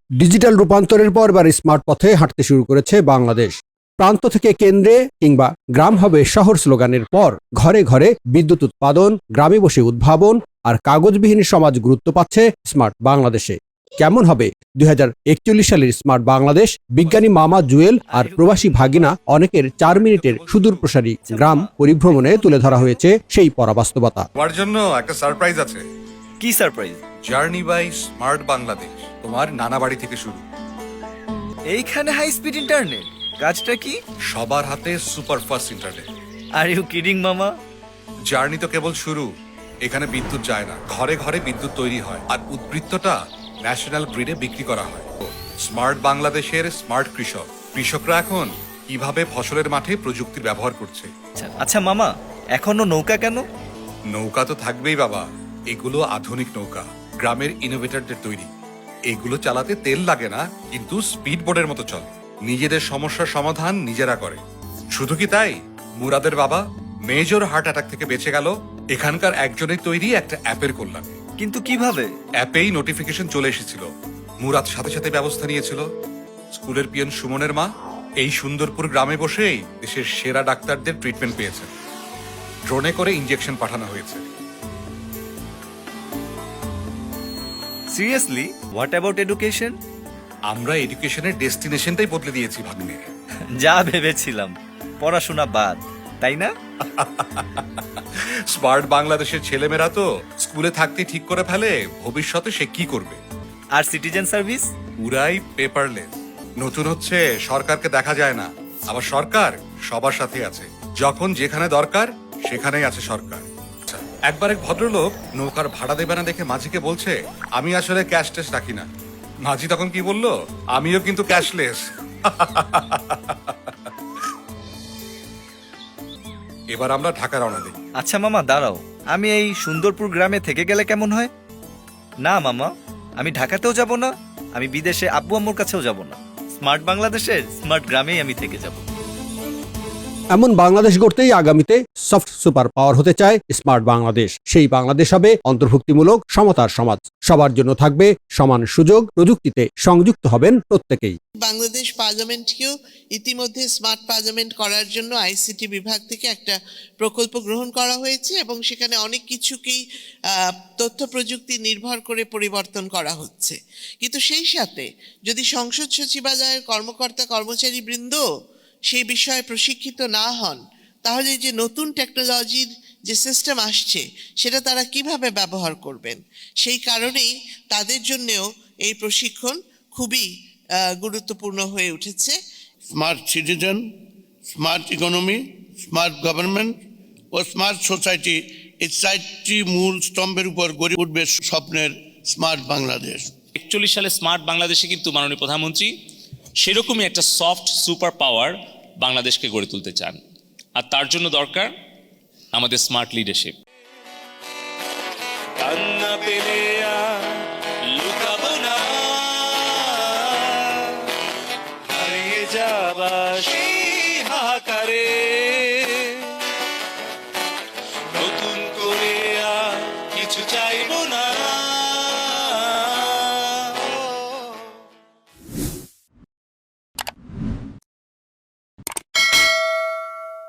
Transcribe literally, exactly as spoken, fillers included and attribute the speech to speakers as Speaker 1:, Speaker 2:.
Speaker 1: Digital রূপান্তরের পর এবার স্মার্ট পথে হাঁটতে শুরু করেছে বাংলাদেশ। প্রান্ত থেকে কেন্দ্রে কিংবা গ্রাম হবে শহর স্লোগানের পর ঘরে ঘরে বিদ্যুৎ উৎপাদন, গ্রামে বসে উদ্ভাবন আর কাগজবিহীন সমাজ গুরুত্ব পাচ্ছে স্মার্ট বাংলাদেশে। কেমন হবে দুই হাজার একচল্লিশ সালের স্মার্ট বাংলাদেশ? বিজ্ঞানী মামা জুয়েল আর প্রবাসী ভাগিনা অনেকের চার মিনিটের সুদূর প্রসারী গ্রাম পরিভ্রমণে তুলে ধরা হয়েছে সেই পরাবাস্তবতা।
Speaker 2: তোমার জন্য একটা সারপ্রাইজ আছে।
Speaker 3: কি surprise?
Speaker 2: Journey by smart Bangladesh, তোমার নানা বাড়ি থেকে শুরু।
Speaker 3: এইখানে হাই স্পিড ইন্টারনেট, কাজটা কি?
Speaker 2: সবার হাতে super fast internet.
Speaker 3: Are you kidding মামা?
Speaker 2: জার্নি তো কেবল শুরু। এখানে বিদ্যুৎ যায় না, ঘরে ঘরে বিদ্যুৎ তৈরি হয় আর উদ্বৃত্তটা ন্যাশনাল গ্রিডে বিক্রি করা হয়। স্মার্ট বাংলাদেশের স্মার্ট কৃষক, কৃষকরা এখন কিভাবে ফসলের মাঠে প্রযুক্তির ব্যবহার করছে।
Speaker 3: আচ্ছা, আচ্ছা মামা, এখনো নৌকা কেন?
Speaker 2: নৌকা তো থাকবেই বাবা, এগুলো আধুনিক নৌকা, গ্রামের ইনোভেটরদের তৈরি। এগুলো চালাতে তেল লাগে না, কিন্তু স্পিড বোর্ডের মতো চলে। নিজেদের সমস্যার সমাধান নিজেরা করে। শুধু কি তাই, মুরাদের বাবা মেজর হার্ট অ্যাটাক থেকে বেঁচে গেল এখানকার একজনের তৈরি একটা অ্যাপের কল্যাণে।
Speaker 3: কিন্তু কিভাবে?
Speaker 2: অ্যাপেই নোটিফিকেশন চলে এসেছিল, মুরাদ সাথে সাথে ব্যবস্থা নিয়েছিল। স্কুলের পিয়ন সুমনের মা এই সুন্দরপুর গ্রামে বসেই দেশের সেরা ডাক্তারদের ট্রিটমেন্ট পেয়েছেন। ড্রোনে করে ইনজেকশন পাঠানো হয়েছে।
Speaker 3: সিরিয়াসলি? What about education?
Speaker 2: আমরা এডুকেশনের ডেস্টিনেশনটাই বদলে দিয়েছি ভাগ্নে।
Speaker 3: যা ভেবেছিলাম, পড়াশোনা বাদ, তাই না?
Speaker 2: স্মার্ট বাংলাদেশের ছেলেমেয়েরা তো স্কুলে থাকতে ঠিক করে ফেলে ভবিষ্যতে সে কি করবে।
Speaker 3: আর সিটিজেন সার্ভিস?
Speaker 2: পুরাই পেপারলেস। নতুন হচ্ছে, সরকারকে দেখা যায় না, আবার সরকার সবার সাথে আছে। যখন যেখানে দরকার সেখানেই আছে সরকার। একবার এক ভদ্রলোক নৌকার ভাড়া দেবে না দেখে মাঝিকে বলছে, আমি আসলে ক্যাশ ট্যাশ রাখি না। মাঝি তখন কি বলল, আমিও কিন্তু ক্যাশলেস। এবার আমরা ঢাকা রওনা দিই।
Speaker 3: আচ্ছা মামা দাঁড়াও, আমি এই সুন্দরপুর গ্রামে থেকে গেলে কেমন হয়? না মামা, আমি ঢাকাতেও যাব না, আমি বিদেশে আব্বু আম্মুর কাছেও যাব না। স্মার্ট বাংলাদেশের স্মার্ট গ্রামেই আমি থেকে যাব।
Speaker 1: এমন বাংলাদেশ গড়তেই আগামীতে সফট সুপার পাওয়ার হতে চায় স্মার্ট বাংলাদেশ। সেই বাংলাদেশ হবে অন্তর্ভুক্তিমূলক, সমতার সমাজ। সবার জন্য থাকবে সমান সুযোগ, প্রযুক্তিতে সংযুক্ত হবেন প্রত্যেকেই।
Speaker 4: বাংলাদেশ পার্লামেন্টকেও ইতিমধ্যে স্মার্ট পার্লামেন্ট করার জন্য আইসিটি বিভাগ থেকে একটা প্রকল্প গ্রহণ করা হয়েছে এবং সেখানে অনেক কিছুকেই তথ্য প্রযুক্তি নির্ভর করে পরিবর্তন করা হচ্ছে। কিন্তু সেই সাথে যদি সংসদ সচিবালয়ের কর্মকর্তা কর্মচারী বৃন্দ সেই বিষয়ে প্রশিক্ষিত না হন, তাহলে যে নতুন টেকনোলজির যে সিস্টেম আসছে সেটা তারা কিভাবে ব্যবহার করবেন। সেই কারণেই তাদের জন্যও এই প্রশিক্ষণ খুবই গুরুত্বপূর্ণ হয়ে উঠেছে।
Speaker 5: Smart citizen, smart economy, smart government ও স্মার্ট সোসাইটি, এই চারটি মূল স্তম্ভের উপর গড়ে উঠবে স্বপ্নের স্মার্ট বাংলাদেশ।
Speaker 6: একচল্লিশ সালে স্মার্ট বাংলাদেশে কিন্তু মাননীয় প্রধানমন্ত্রী সেরকমই একটা সফট সুপার পাওয়ার বাংলাদেশকে গড়ে তুলতে চান, আর তার জন্য দরকার আমাদের স্মার্ট লিডারশিপ।